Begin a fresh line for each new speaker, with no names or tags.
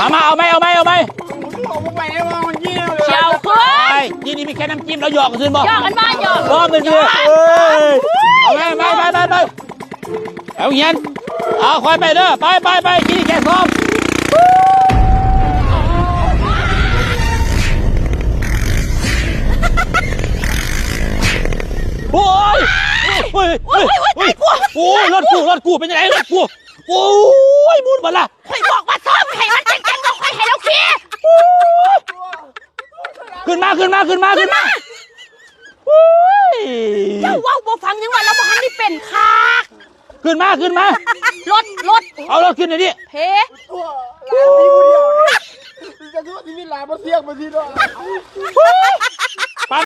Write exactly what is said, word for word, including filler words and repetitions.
มามาเอาไหมเอาไหมเอาไหม
เอาไปได้บ้างมันยี่เลย
เชียวขึ้น
ไอ้ยี่นี่มีแค่น้ำจิ้มแล้วหยอกกันซื้อบ่
หยอกกันบ้านหยอก
รอบหนึ่งคือเอาไหมไปไปไปไปเอาเงี้ยเอาคอยไปเด้อไปไปไปกินแกงส้มโอ้ยโอ้ยโอ้ยโอ้ยโอ้ยรถกูรถกูเป็นยังไงรถกูโอ้ยมุดมาละ
ข่อยบอกว่าซ้อมให้มันเก่งๆบอกข่อยให้เราขี่
ขึ้นมาขึ้นมาขึ้นมาขึ้นมาโอ้ย
เจ้าว่าบ่ฟังยังว่าเราบ่ทันได้เป็นคัก
ขึ้นมาขึ้นมาร
ถรถ
เอารถขึ้นหน่อยดิ
เพ
ตัวลาที่ผู้เดียวเนี่ยจะคิดว่าที่นี่ลาบ่เสียงมาทีด้วย